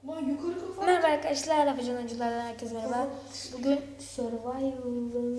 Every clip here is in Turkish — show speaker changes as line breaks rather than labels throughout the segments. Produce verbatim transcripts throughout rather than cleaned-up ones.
Lan yukarı kafa.
Merhaba arkadaşlar, Afacan Oyunculardan herkese merhaba. Bugün Survival'ın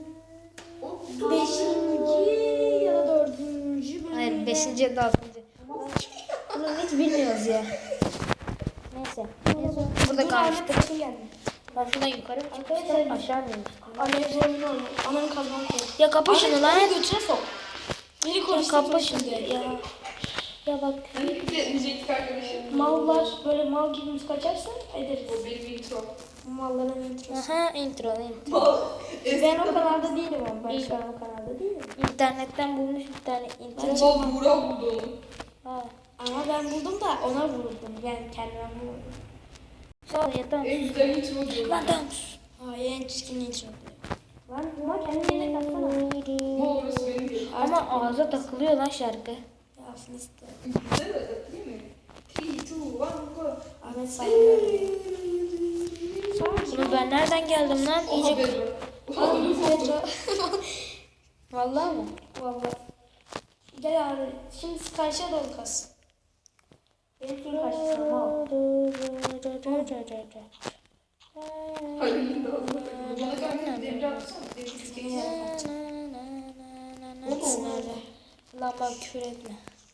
beşinci ya da dördüncü bölümüyle... Hayır, beşinci ya da altıncı. Bunu hiç bilmiyoruz ya. Neyse. Burada kalmıştık. Ben şuradan yukarı mı çıkmıştım, aşağı mı inmiştim?
Annemin oyunu oynuyor. Annemin kazanı koy.
Ya kapa şunu lan.
Annemin götüne sok. Beni
Ya
konuştu.
kapa şunu ya. Ya bak.
Hani bir de diyecektik arkadaşım. Mallar böyle mal gibi biz kaçarsa ederiz. O benim intro. Malların introsu.
Aha, intro intro.
Mal. Ben o kanalda değilim ama. Ben şu an o kanalda değilim.
İnternetten bulmuş bir tane intro.
Baba Buğra buldu onu.
Ha.
Ama ben buldum da ona vuruldum. Ben kendime vurdum.
Sağ ol ya, tamam.
En güzel intro diyor.
Lan tamam.
Hayır en çirkin intro diyor. Lan buna kendine taksana. Bu orası benim değil.
Ama ağza takılıyor lan şarkı.
Ya Filistin. Değil mi? Değil mi? three, two, one, go. Ahmet saygı.
Bunu ben nereden geldim lan? İyice...
Pedro.
Vallahi mı?
Vallahi. Gel abi. Şimdi karşıya doğru kas. Benim suyun karşısına al. Hayır, bana kanka devre atsana. Devre iskeleyi yapacağım.
Lan bak, küfür etme.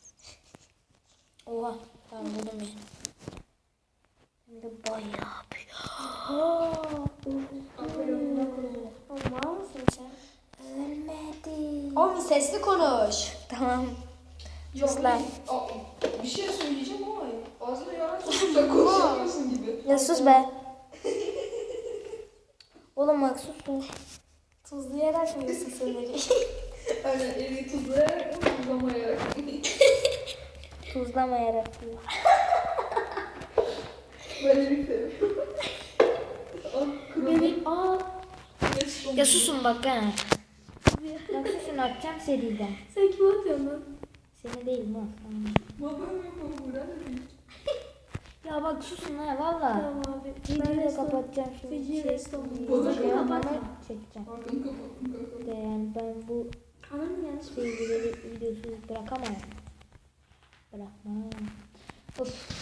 Oha, ben buldum yani. Hem de bayağı büyük.
Var mısın sen?
Ölmedi.
Oğlum sesli konuş.
Tamam.
Yok lan. Bir şey söyleyeceğim ama ağzına yarar sokup konuşamıyorsun gibi.
Ya sus be. Oğlum bak, sus sus.
Tuzlayarak mı yiyorsun senleri? Aynen, eli tuzlayarak mı tuzlamayarak mı?
Tuzlamayarak diyor.
Ben eli seviyorum. Benim aa.
Ya susun bak ha. Bak susun, atacağım seriden.
Sen kim atıyorsun lan?
Seni değil mi?
Babam yok o Buğra da değil.
Ya bak susun ha valla.
Tamam abi.
Videoyu da kapatacağım şimdi.
Feci
Şey,
restoran.
videoyu
Bana
devamını çekeceğim.
Arkını kapattım kanka.
De yani ben bu
Ananı yanlış
bilgileri videosuz bırakamam. Bırakmam. Of.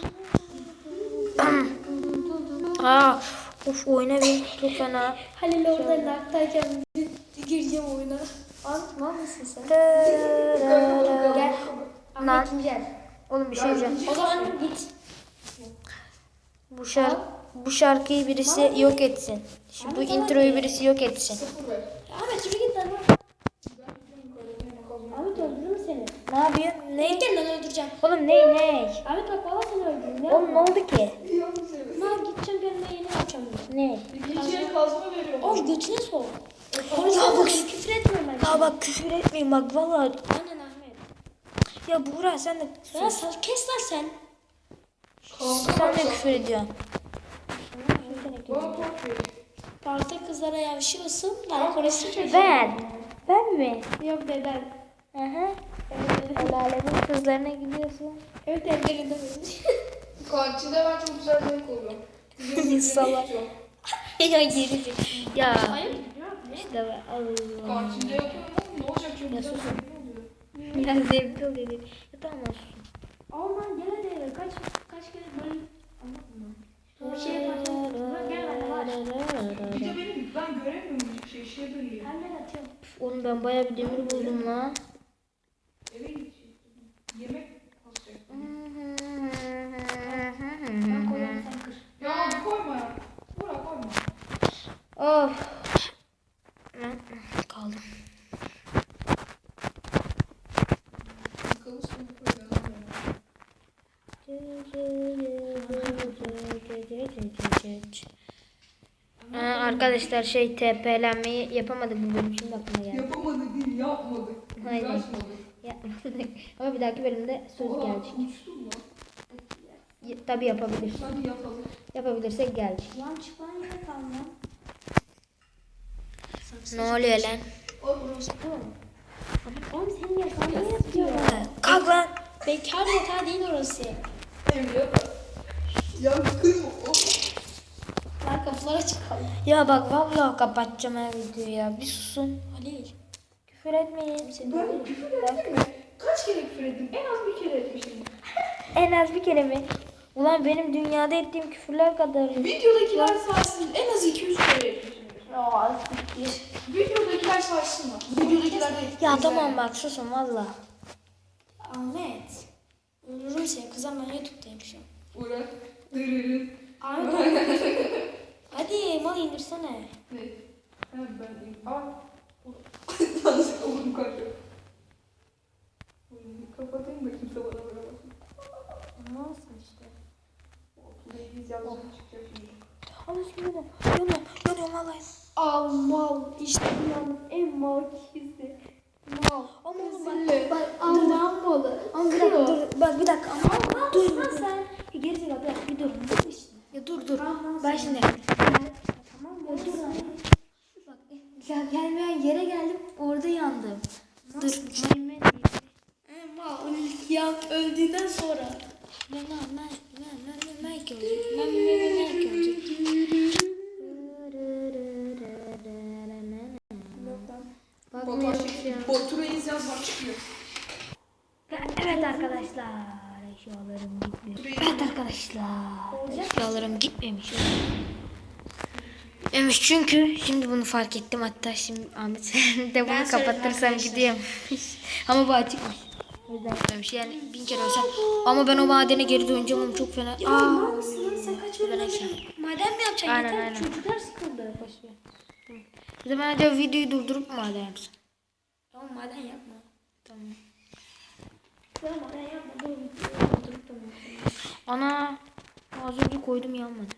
Ha, of oyuna bir çok fena.
Halil orada laktayken gireceğim oyuna. Anlatma mısın sen? Gel.
Lan.
Ahmet'im gel.
Oğlum bir şey diyeceğim.
O zaman git.
Bu şarkı bu şarkıyı birisi yok etsin. Şu bu introyu birisi yok etsin.
Sıfır ver. Ahmet şuraya git lan. Ahmet öldürürüm seni.
Ne yapıyorsun? Ne?
Gel lan öldüreceğim.
Oğlum ne ne?
Ahmet bak valla seni öldürürüm. Ne
Oğlum ne oldu ki?
Lan gideceğim kendime yeni yapacağım.
Ne?
İkinciye kazma veriyorum. Oğlum götüne sok.
Ya
Konuşma
bak-
küfür etmiyorum ben.
Ya bak küfür etmeyin bak vallahi.
Aynen Ahmet.
Ya Buğra sen de
Ya sen kes lan sen.
sen de küfür ediyorsun.
Parkta kızlara yavşıyorsun. Ben konuşsun çocuğum.
Ben. Ben mi?
Yok deden.
Aha. El alemin kızlarına gidiyorsun.
Evet evlerinde benim.
Kantinde ben çok güzel zevk alıyorum.
Salak. Ya geri. Ya
Hayır.
işte ben Allah.
Kantinde yapıyorum ama ne olacak çok güzel
sus.
zevk oluyor.
Ya zevkli oluyor. Ya tamam olsun.
Aman gel hadi eve. Kaç kaç kere böyle anlatma. Bir şey yaparsan gel bana var.
Bir de benim ben göremiyorum hiçbir şey. Şeye dönüyor.
Hemen atıyorum.
Oğlum ben bayağı bir demir buldum lan.
Eve gidecektim. Yemek basacak.
Ben koyarım sen kır.
Ya abi koyma ya. Bırak koyma.
Of. Ben kaldım.
Yıkamışsın koyma.
Aa, arkadaşlar şey T P'lenmeyi yapamadık bu bölüm, şimdi aklıma geldi.
Yapamadık değil yapmadık.
Aynen.
Uğraşmadık.
Yapmadık. Ama bir dahaki bölümde söz
Oha,
gelecek.
uçtum lan.
Y- Tabii yapabiliriz.
Hadi yapalım.
Yapabilirsek gelecek.
Lan çık lan yine kal lan.
Ne oluyor lan?
Orası bu. Oğlum senin yatağın ne yapıyor?
Kalk lan.
Bekar yatağı değil orası.
Evliya da. Ya kırma.
Lan kapılara çıkalım.
Ya bak vallahi kapatacağım her videoyu ya. Bir susun.
Halil.
Küfür etmeyin.
Seni
Ben küfür ettim mi? Kaç kere küfür ettim? En az bir kere etmişim.
En az bir kere mi? Ulan benim dünyada ettiğim küfürler kadar.
Videodakiler saysın. En az iki yüz kere yapıyorsunuz.
Ya
Videodakiler saysın mı? Videodakiler de
Ya tamam bak susun valla.
Ahmet. Ölürüm seni kızım, ben YouTube'dayım şu an.
Uğra. Dırırın.
Ahmet hadi mal indirsene.
Ne? Ha ben... Aa. Yanlışlıkla vurdum kanka. Kapatayım da kimse bana vuramasın.
Nasıl işte?
Ladies yazısı çıkacak şimdi.
Ama şimdi de yanıyorum, yanıyorum vallahi. Al mal, işte dünyanın en mal kişisi. Mal. Ama bak, bak Allah'ın malı.
Ama bir dakika dur bak bir dakika. Ama
Ama
dur
dur
dur.
sen. Gerizekalı bir dakika bir dur. Dur işte.
Ya dur dur.
Tamam,
Ben
sen-
şimdi.
Tamam mı? Dur.
Bak ya gelmeyen yere geldim orada yandım. Dur. Mehmet.
E, mal. Ya öldüğünden sonra.
Ben ben ben ben ben ben olacak. Ben ben ben ben olacak. Bakmıyorum şu an.
Batu Reis yaz bak çıkıyor.
Evet arkadaşlar. Eşyalarım gitmiyor. Evet arkadaşlar. Eşyalarım gitmemiş. Gitmemiş çünkü şimdi bunu fark ettim. Hatta şimdi Ahmet sen de bunu
Ben söyledim
kapatırsam
arkadaşlar.
gideyim. Ama bu açıkmış. O yüzden gitmemiş. Yani bin kere olsa. Ama ben o madene geri döneceğim ama çok fena.
Ya
Aa.
mal mısın lan sen kaç
Ben
bölüm
aşağı.
maden mi yapacaksın?
Aynen,
Yeter,
aynen.
çocuklar sıkıldı.
Boşver. O zaman acaba videoyu durdurup mu maden yapsın?
Tamam maden yapma.
Tamam.
Tamam maden yapma. Dur videoyu durdurup da mı yapalım?
Ana. Az önce koydum yanmadı.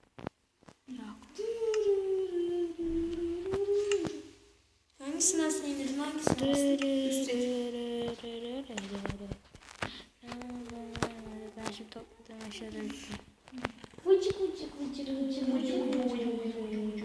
Hangisinden sen indirdin? Hangisinden?
Ben şimdi topladım aşağıda.
Vıcık vıcık vıcık vıcık vıcık.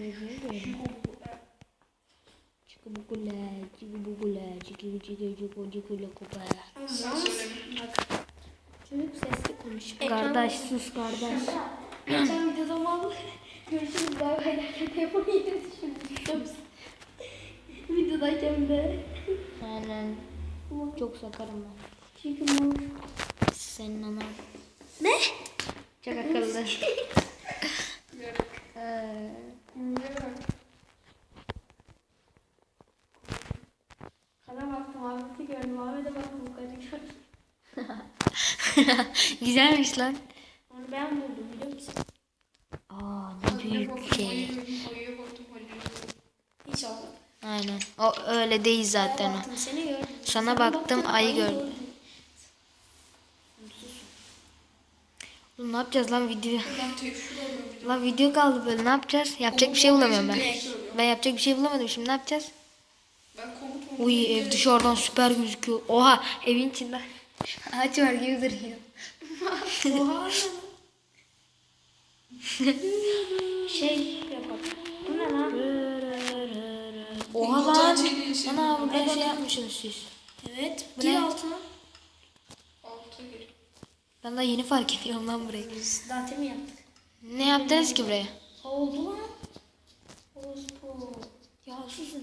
Çıkıbukula, çıkıbukula, çıkıbukula, çıkıbukula, kupa.
Sen söyle.
Bak. Çocuk sesli konuş.
Kardeş sus kardeş.
Geçen videoda mal. Görüşürüz. Bay bay. Telefonu yine düşürdüm. Videodayken de.
Aynen. Çok sakarım ben.
Çünkü mal.
Senin anan.
Ne?
Çok akıllı. Ee,
Kana baktım. Ahmet'i gördüm. Ahmet'e baktım. Bu kadar gördüm.
Güzelmiş lan.
Onu ben buldum biliyor musun?
Aa ne büyük şey.
Ayıya baktım, ayıya baktım.
Hiç olmadı.
Aynen. O öyle değil zaten o.
Baktım seni gördüm.
Sana baktım, ayı gördüm. Oğlum ne yapacağız lan video?
Ben tek şurada alıyorum.
Lan video kaldı böyle ne yapacağız? Yapacak bir şey bulamıyorum ben.
Ne?
Ben yapacak bir şey bulamadım şimdi ne yapacağız?
Ben komut
Uy ev dışarıdan süper gözüküyor. Oha evin içinde ağaç var gibi duruyor.
Oha. Şey yapalım. Bu ne lan?
Oha lan. Ana burada şey yapmışsınız siz.
Evet.
Bu
Gir
ne?
altına.
Alta gir.
Ben daha yeni fark ediyorum lan burayı.
Dante mi yaptık?
Ne yaptınız ki buraya?
Oldu lan. Orospu. Ya susun.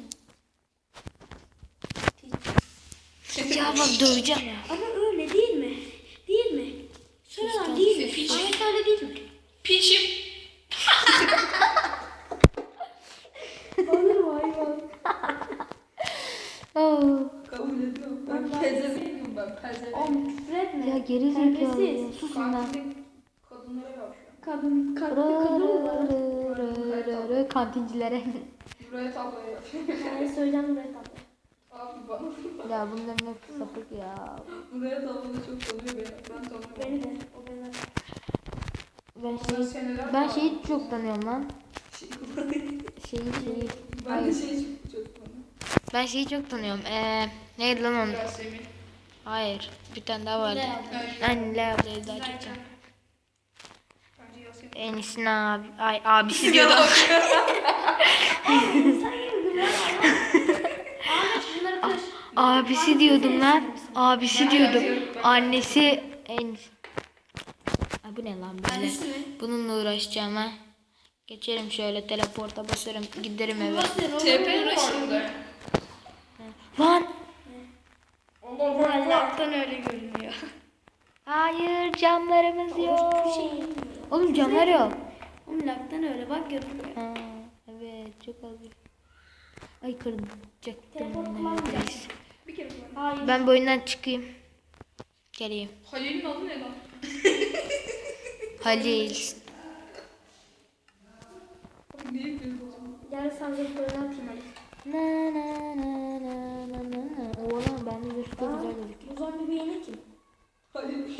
Ya bak döveceğim ya.
Ama öyle değil mi? Değil mi? Söyle lan değil mi?
Piç.
Ahmet öyle değil mi?
Piçim.
Olur mu hayvan?
Oo.
Kabul ediyorum. Ben pezevenkim ben. Pezevenk.
Oğlum küfür etme.
Ya geri zekalı.
Terbiyesiz.
Susun lan.
Kantin kadınlara yapıyor.
Kadın, kadın, kadın mı var?
Kantincilere.
Buraya tablaya yapıyor.
Ben söyleyeceğim buraya tatlı.
Abi bak.
Ya bunların hepsi sapık ya.
Buraya tablada çok tanıyor beni. Ben tanıyorum.
Beni de. O beni.
Ben
Ben
şeyi,
seneler
ben
var.
şeyi çok tanıyorum lan.
Şey-
Şeyi şeyi.
Ben de şey çok çok tanıyorum.
Ben şeyi çok tanıyorum. Ee, neydi lan onun?
Yasemin.
Hayır. Bir tane daha vardı.
Bence-
Aynen Lea ablayı daha çok tanıyorum.
Bence Yasemin.
Enis'in abi, ay abisi diyordum.
Bunları kır.
Abisi diyordum lan. Abisi diyordum. Annesi Enis. Ay bu ne lan böyle?
Annesi mi?
Bununla uğraşacağım ha. Geçerim şöyle teleporta basarım giderim eve.
T P var burada.
Lan
Allah Allah.
Allah'tan öyle görünüyor.
Hayır camlarımız yok.
Hiçbir şey yemiyor.
Oğlum camlar yok.
Oğlum laktan öyle bak görünmüyor.
Ha, evet çok az bir. Ay kıracaktım.
Telefon
neredeyse.
kullanmayacaksın.
Bir kere kullan.
Hayır.
Ben bu oyundan çıkayım. Geleyim.
Halil'in adı ne lan?
Halil.
Abi niye yapıyorsun o zaman?
Gel sen zırhlarını atayım hadi.
Na na na na na na na. Oğlum ben de zırhta
Aa,
güzel gözüküyor.
bu zombi bir yeni kim?
Halil.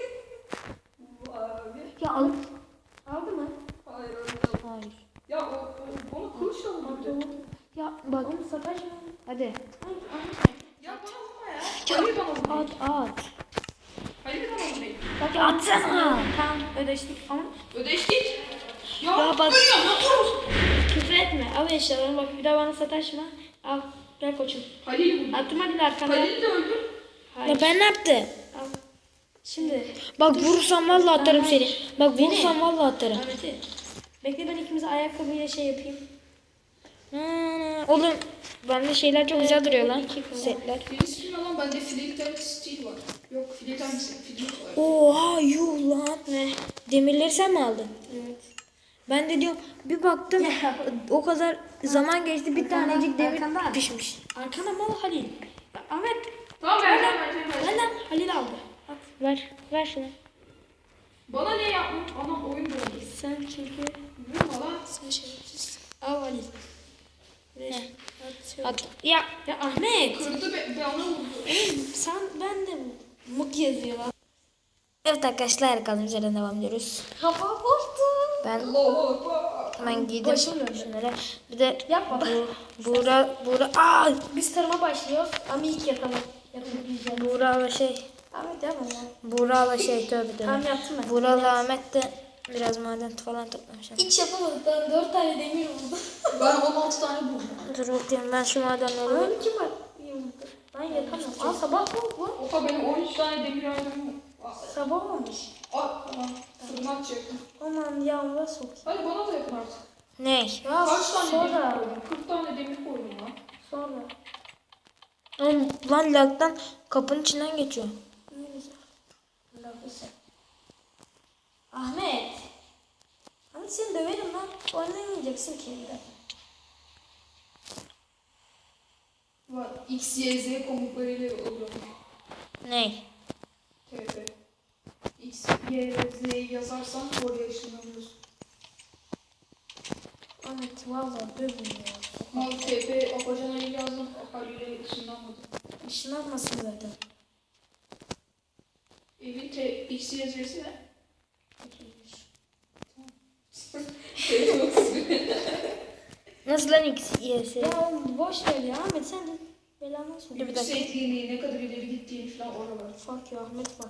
Bu abi.
Ya al. Aldı mı?
Hayır öyle.
Hayır.
Ya o, o bana kılıç aldı bir de.
Ya bak.
Oğlum sataşma.
Hadi.
Ay, ay.
Ya bana vurma ya. Halil bana vurma.
At at.
Halil bana vurma.
Bak
Ya atsana.
Tamam ödeştik ama
Ödeştik. Ya,
Ya bak-
ölüyorum lan vurursun.
küfür etme. Al eşyalarını bak bir daha bana sataşma. Al gel koçum.
Halil'i vurdu.
Attım hadi arkana.
Halil'i de öldür.
Hayır.
Ya ben ne yaptım?
Al. Şimdi.
Bak vurursam vallahi atarım
Hayır.
seni. Bak
Beni.
vurursam vallahi atarım.
Ahmet'i. Bekle ben ikimize ayakkabıyla şey yapayım.
Hmm, oğlum bende şeyler çok güzel duruyor lan.
İki kız.
Setler.
Birisi kim lan? Bende Fleet Steel var. Yok Fleet Fleet var.
Oha yuh lan.
Ne?
Demirleri sen mi aldın?
Evet.
Ben de diyorum bir baktım o kadar zaman geçti bir
Arkanda,
tanecik demir
arkanda.
pişmiş.
Arkana mal Halil. Ya, Ahmet.
Tamam vereceğim vereceğim vereceğim.
Benden Halil aldı. Al.
Ver ver şunu.
Bana ne yaptın? Anam oyun bozdu.
Sen çünkü
Vurma lan.
sen şerefsiz. Al Halil. Ver. Atıyorum.
At. Ya
Ya Ahmet.
Kırdı be, be ona vurdu.
Oğlum sen ben de mık yazıyor lan.
evet arkadaşlar kaldığımız yerden devam ediyoruz.
Kafa korktu.
Ben
Allahu Ekber.
hemen giydim
Başım döndü.
şunları. Bir de
Yapma.
bu Buğra Buğra aa
Biz tarıma başlıyoruz ama ilk yapalım. Yapabileceğim.
Buğra'la şey
Ahmet yapma lan.
Buğra'la şey tövbe
Tamam
tövbe.
yaptım ben.
Buğra'la Ahmet de biraz maden falan toplamış.
Hiç yapamadık. Ben dört tane demir vurdum.
Ben on altı tane buldum.
Dur bakayım ben şu madenleri
Ama kim var? Yumurta. Ben yapamam. Aa sabah oldu bu.
Oha benim on üç tane demir aydınım var.
Sabah olmuş.
Aa tamam. Fırına atacaktım.
Aman yağmura sok.
Hadi bana da yapın artık.
ne?
Ya
Kaç tane demir
sonra.
koydum? kırk tane demir koydum lan.
Sonra.
Oğlum lan lagdan kapının içinden geçiyor.
Ne güzel. Lafısı. Ahmet. Ahmet seni döverim lan. Oynamayacaksın ki evde.
Var. X, Y, Z komutlarıyla oluyor.
Ne?
T P. X, Y, Z'yi yazarsan oraya ışınlanıyorsun.
Ahmet valla dövmüyor.
Mal T P Apacana'yı yazdım. Haliyle ışınlanmadı.
Işınlanmasın zaten.
Evin T, X, Y, Z'si ne?
Nasıl lan X, Y, S?
Ya oğlum boş ver ya Ahmet sen de belanı sor.
Dur bir dakika.
Yüksekliğini, ne kadar ileri gittiğini falan oralar.
Fuck ya Ahmet bak.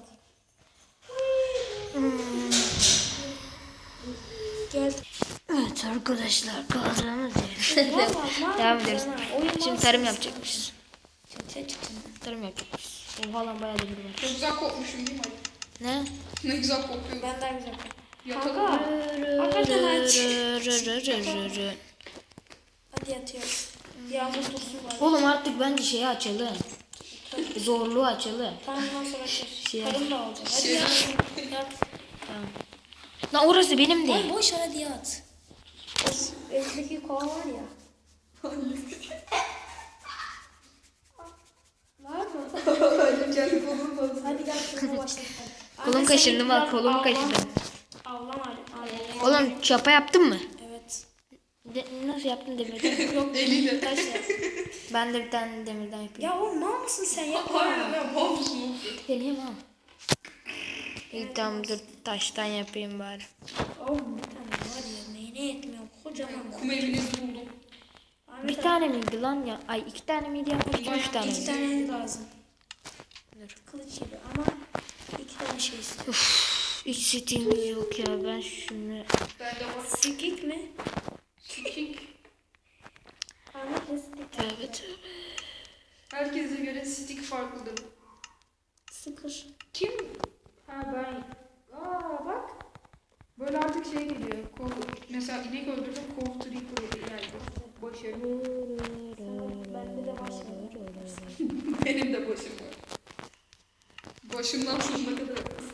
Gel.
Evet arkadaşlar kaldığımız yerden
Vallahi
devam
mal
ediyoruz.
sana, oyun
Şimdi
mal
tarım
sana.
yapacakmışız.
Çatıya çıktın.
Tarım yapacakmışız. Oha lan bayağı demir var.
Çok güzel kokmuşum değil mi?
Ne?
Ne güzel kokuyor.
Ben daha güzel.
Yatalım.
Kanka. Hakikaten aç.
Oğlum
Hadi yatıyoruz. Yağmur dursun var.
Oğlum artık bence şeyi açalım. Zorluğu açalım.
Tamam ondan sonra açıyoruz.
Şey-
Karın da olacak. Hadi
Şey-
yat. Yat.
Tamam. Lan orası benim de.
Ay boş ver hadi yat. O evdeki kova var ya. Var mı?
Kendi kolumu fazla.
Hadi gel şurada başlayalım.
Kolum kaşındı bak kolum kaşındı.
Avlama hadi.
Oğlum çapa yaptın mı?
Evet.
De, nasıl yaptın demirden?
Yok
Eliyle.
taş yap.
Ben de bir tane demirden yapayım.
Ya oğlum mal mısın sen yapma.
Harbiden ne mal mısın?
Geleyim ha. İyi tamam dur taştan yapayım bari.
Oğlum bir tane var ya neyine yetmiyor kocaman.
Kum evinizi buldum.
Bir tane miydi lan ya? Ay iki tane miydi ya? Üç, üç tane
İki
miydi?
tane lazım.
Dur.
Kılıç gibi ama iki tane şey istiyor.
Hiç setiğimiz yok ya ben şunu.
Bende var.
Sikik mi?
Sikik.
Ahmet ne sikik?
Tövbe tövbe.
Herkese göre stick farklıdır.
Sıkır.
Kim? Ha ben. Aa bak. Böyle artık şey geliyor. Kol, mesela inek öldürdüm. Kol Tripper geldi. Başarı.
Bende de var şimdi.
Benim de başım var. Başımdan sonuna kadar.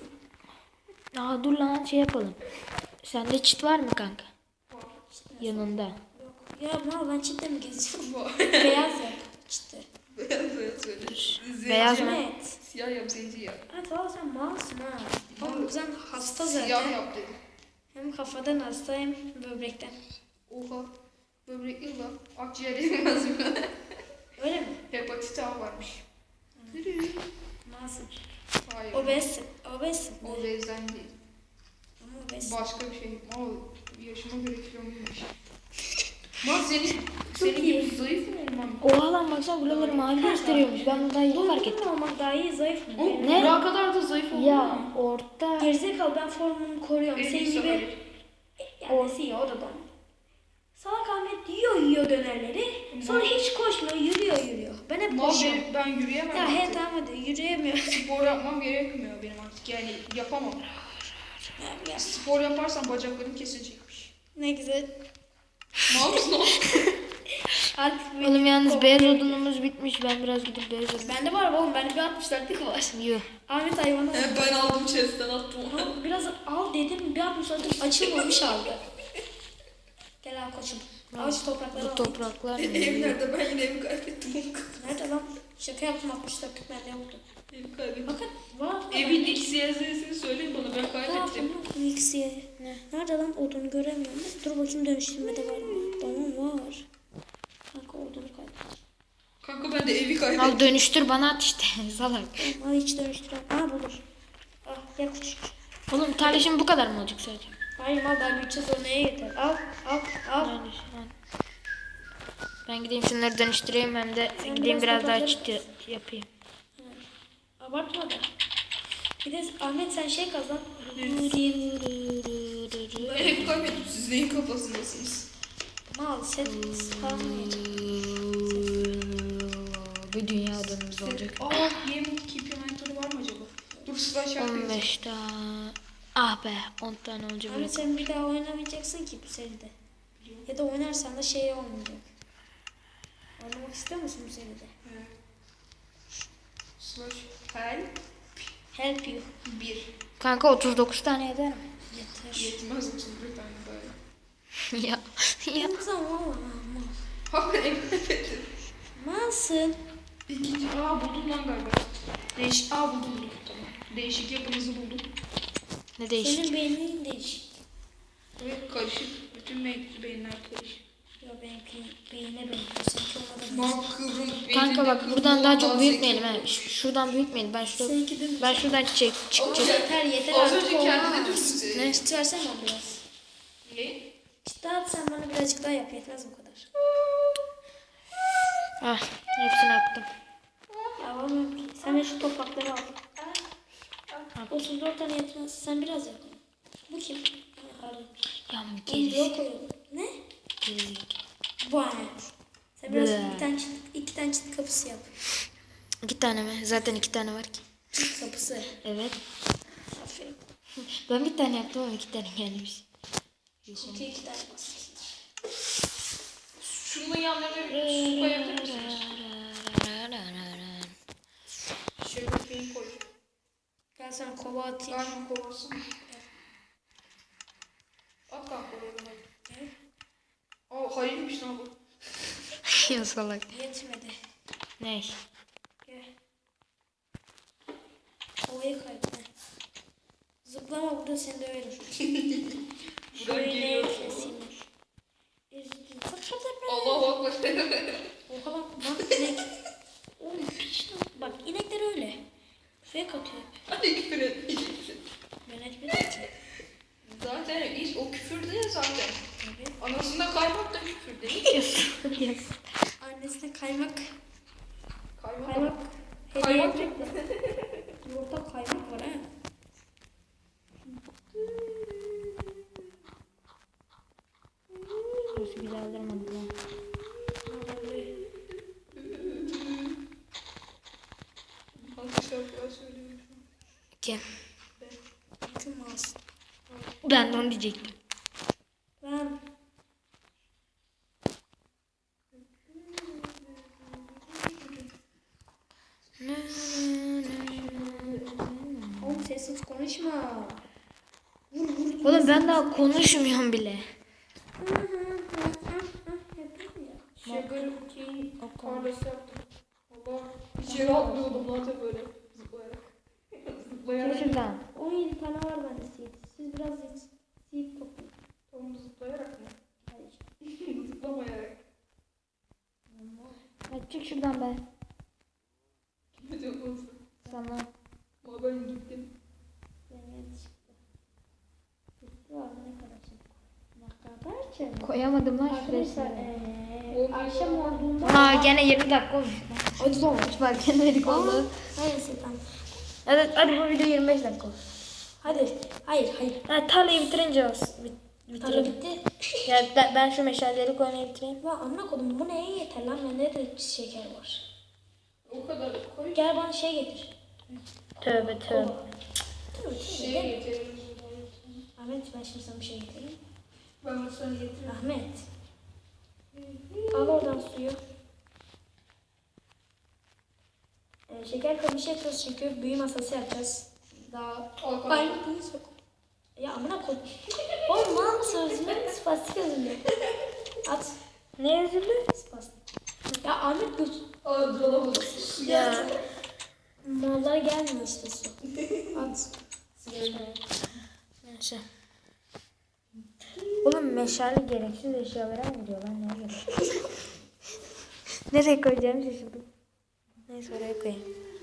Aa dur lan şey yapalım. Sende çit var mı kanka? Yanında.
Yok. Ya mal ben çitle mi geziyorum?
Var.
Beyaz ya. Çitle.
Beyaz beyaz söyle.
Beyaz mı?
Evet.
Siyah yap zenci yap.
Evet valla sen malsın ha. Oğlum sen hasta zaten.
Siyah yap dedim.
Hem kafadan hasta hem böbrekten.
Oha. Böbrek yılla. Akciğer yemez mi?
Öyle mi?
Hepatit A varmış.
Malsın.
Hayır.
Obezsin. Obezsin.
O bezden değil.
Ama obezsin.
Başka bir şey. Mal yaşıma göre kilomuymuş. Mal senin, senin
iyi.
gibi zayıf mı olmam?
Oha lan baksana buraları mavi gösteriyormuş. Ben bunu daha yeni fark ettim.
Uzun olmak daha iyi zayıf mı?
Oğlum
Ne?
Burak'a kadar da zayıf oldu
Ya
mu?
orta.
Gerizekalı ben formumu koruyorum.
En
Senin
iyisi
gibi.
hayır.
Yani nesi ya o da don. Salak Ahmet yiyor yiyor dönerleri. Sonra hiç koşmuyor yürüyor yürüyor. Ben hep
Mal
koşuyorum.
ben, ben yürüyemem
Ya he
artık.
tamam hadi yürüyemiyor.
Spor yapmam gerekmiyor benim artık. Yani yapamam. Spor yaparsam bacaklarım kesilecekmiş.
Ne güzel.
Mal mısın oğlum?
Artık
Oğlum yalnız beyaz odunumuz bitmiş. Ben biraz gidip beyaz odun.
Bende var oğlum bende bir altmış dörtlük var.
Yuh.
Ahmet hayvanı
He, ben aldım chest'ten attım onu.
Al, biraz al dedim bir altmış dörtlük açılmamış aldı. Gel al koçum. Al şu toprakları
Bu
al.
topraklar mı?
Ev nerede? Ben yine evi kaybettim.
Nerede lan? Şaka yaptım altmış dörtlük bende yoktu.
Evi kaybettim.
Bakın var.
Evin X Y Z'sini söyleyin bana, ben
Ne
kaybettim.
yaptın lan mixiye?
Ne?
Nerede lan odunu göremiyorum. Dur bakayım dönüştürmede var mı? Tamam var. Kanka odunu kaybettim.
Kanka ben de evi kaybettim.
Al dönüştür bana at işte. Salak.
Al hiç dönüştürem. Aa bulur. Al gel küçük.
Oğlum tarla şimdi bu kadar mı olacak sadece?
Hayır mal daha büyüteceğiz o neye yeter. Al al al.
Yani şu an. Ben gideyim şunları dönüştüreyim hem de
Sen
gideyim
biraz
biraz daha
toprakları-
çit yapayım.
Abartma da. Bir de Ahmet sen şey kazan.
Ben evi kaybettim. Siz neyin kafasındasınız?
Mal set kalmayacak.
Bir dünya odunumuz olacak.
Aa, yemin keep inventory var mı acaba? Dur slash yapayım.
on beş tane. Ah be on tane olacak.
Ahmet sen bir daha oynamayacaksın ki bu seride. Ya da oynarsan da şey olmayacak. Oynamak istiyor musun bu seride?
Evet. Slash help
Help you.
bir.
Kanka otuz dokuz tane eder mi?
Yeter.
Yetmez otuz bir tane böyle.
ya. ya.
Kızım valla mal.
Ha ben evi kaybettim.
Malsın.
İkinci. Aa buldum lan galiba. Değişik. Aa buldum buldum. Tamam. Değişik yapınızı buldum.
Ne değişik.
Senin beynin değişik.
Evet karışık. Bütün be- beyinler karışık.
Ya benimki beyine benziyor. Seninki olmadan
Mal kıvrım.
Kanka
beyninde
bak
kıvrım
buradan daha çok
bazı
büyütmeyelim
ekip
ha.
olur.
Ş- Şuradan büyütmeyelim. Ben şurada
Seninki dümdüz.
ben şuradan çek
Oğlum
çıkacağım.
Yeter yeter
Az
artık
önce kendine
olmaz.
dümdüz.
Ne?
Çıt versene bana biraz.
Ne?
Çıt at sen bana birazcık daha yap. Yetmez bu kadar.
Ah hepsini attım.
Ya olmuyor ki. Sen de şu toprakları al. otuz dört tane yetmez. Sen biraz yap. Bu kim? Ha, Arı.
Ya
Onu
gerisi.
diyor koyalım. Ne?
Gerisi.
Vay. Sen biraz
Ble.
bir tane çıt, iki tane çıt kapısı yap.
İki tane mi? Zaten iki tane var ki.
Çıt kapısı.
Evet.
Aferin.
Ben bir tane yaptım ama iki tane gelmiş.
İki iki tane bas.
Şunun yanlarına bir su koyabilir misiniz? Şöyle bir beyin koy.
Gel sana kova atayım.
Aynen kovasın. At kanka oraya bana.
Ne?
Aa hayırmış lan bu.
Ya salak.
Yetmedi.
Ne?
Gel. Kovayı kaybetme. Zıplama burada seni döverim.
Buradan
Şöyle
geliyor.
keseyim. Zıp zıp zıp.
Allahu akbar.
Oha bak bak inek. Oğlum piş lan. Bak inekler öyle. Fake atıyor.
Hadi küfür etmeyeceksin.
Ben etmedim ki.
Zaten hiç o küfür değil zaten.
Tabii.
Anasında kaymak da küfür değil.
Yes.
Annesine kaymak.
Kaymak.
Kaymak.
Kaymak
Hediye Yumurta kaymak var ha.
Burası güzel durmadı lan.
Hangi şarkılar söylüyorum şu an?
Kim?
Kim alsın?
Ben de onu diyecektim.
Ben. Oğlum sessiz konuşma.
Oğlum ben daha konuşmuyorum bile.
Sugar cane tarlası yaptım. Allah. İçeri atlıyordum lan da böyle zıplayarak. Zıplayarak.
Şimdi şuradan.
on yedi tane var bende seed. Siz biraz seed, seed toplayın.
Tamam zıplayarak mı?
Hayır.
Zıplamayarak.
Ya çık şuradan be.
Kime diyorsun?
Sana.
Ama ben gittim.
Yani çıktı. Bitti var mı ne kadar şey? Ne kadar şey?
Koyamadım lan
Arkadaşlar
şuraya.
eee akşam olduğunda
Aa gene yirmi dakika olmuş.
hadi olmuş.
Bak gene dedik oldu.
Neyse tamam.
Hadi, hadi bu video yirmi beş dakika olsun.
Hadi. Hayır hayır.
Ha, tarlayı bitirince olsun. Bit,
Tarla
bitirelim.
bitti.
Ya ben, ben şu meşaleleri koymayı bitireyim.
Ya amına kodum bu neye yeter lan? Bende de şeker var.
O kadar koy.
Gel bana şey getir.
Tövbe tövbe.
Tabii
Şey
tabii.
getirelim.
Ahmet ben şimdi sana bir şey getireyim.
Ben de sana getiririm.
Ahmet. Al oradan suyu. Ee, şeker kamışı yapıyoruz çünkü büyü masası yapacağız. Daha
Al kanka.
aynı büyü sok. Ya amına koy. Oğlum mal mısın özünde? Spastik özünde. At.
Ne üzüldü?
Spastik. Ya Ahmet göt.
Al dolabı.
Ya.
Mallar gelmiyor işte su. At.
Neyse. Oğlum meşale gereksiz eşyalara mı gidiyor lan? Ne oluyor? Nereye koyacağımı şaşırdım. Neyse oraya koyayım.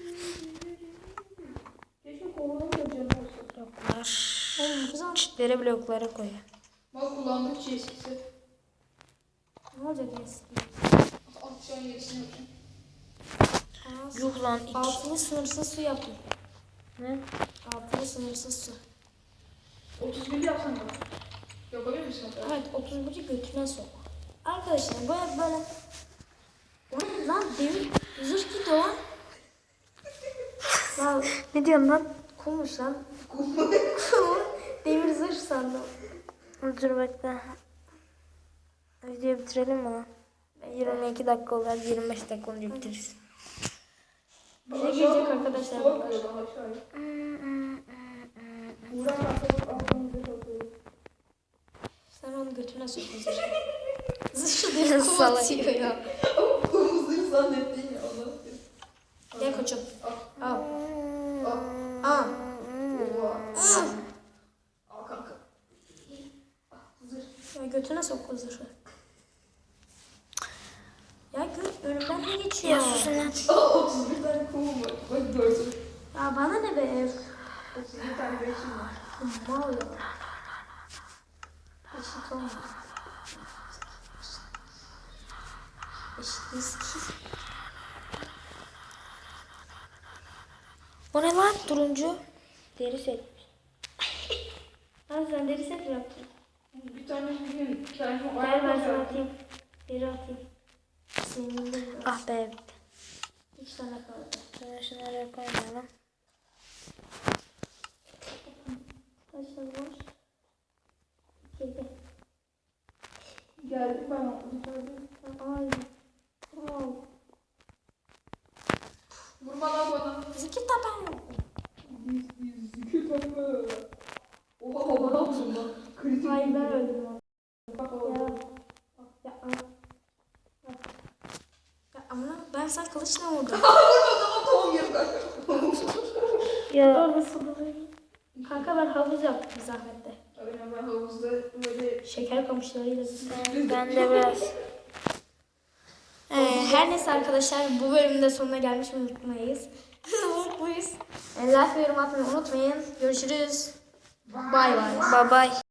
Keşke kovadan da canım olsa.
Bloklar.
Oğlum güzel.
Çitleri bloklara koyuyor.
Bak kullandıkça eskisi.
Ne olacak neyse.
Atacağın yerisini yapayım.
Yuh lan iki.
Altılı sınırsız su yaptım.
Ne?
Altılı sınırsız su.
otuz bir yapsana bak. Yapabilir misin?
Evet otuz biri götüne sok. Arkadaşlar böyle böyle. Oğlum lan demir zırh gitti o lan. Lan
Ne diyorsun lan?
kummuş lan. Kum. Demir zırh sandım.
Dur bekle. Videoyu bitirelim mi lan? yirmi iki dakika oldu. Hadi yirmi beş dakika olunca bitiririz.
Bize gelecek arkadaşlar.
Bak aşağıya. Burak arkadaş aklımıza kalıyor.
Sen onu götüne sok o zırhı. Zırhı diye kum
Salak.
atıyor ya.
Kumuzları zannettin ya Allah.
Gel koçum. Al.
Al.
Al.
Oha.
Al.
Al kanka.
Ya götüne sok o zırhı. Ya gö önümden ne geçiyor?
Ya susun lan.
Aa, otuz bir tane kumum var. Bak gördüm.
Ya bana ne be?
otuz bir tane beşim var.
Mal ya. Eşit olma. Eşit ki.
O ne lan? Turuncu. Deri set.
Lan sen deri set mi yaptın?
Bir tane bugün kendime
Gel ben
ayakkabı
sana
yaptım.
atayım. Deri atayım. Senin de biraz.
Ah be bitti.
Üç tane kaldı.
Şunu şunları koymayalım.
Kaç tane var? İki.
Geldim ben yukarıdayım.
Ay. Wow.
Vurma lan bana.
Zikir taban yok.
Biz biz zikir takı. Oha baba ne yapıyorsun lan? Kritik.
Ay ben öldüm abi.
Bak
Ya.
baba.
Ya. Ya. Ya amına ben sana kılıçla vurdum.
Tamam gel kanka.
Ya.
Orada sabırlayın. Kanka ben havuz yaptım zahmette.
Aynen ben havuzda böyle
Şeker kamışlarıyla.
Ben de biraz.
Ee, her neyse arkadaşlar bu bölümün de sonuna gelmiş unutmayız. Mutluyuz. Ee, like ve yorum atmayı unutmayın. Görüşürüz. Bay bay.
Bye bye.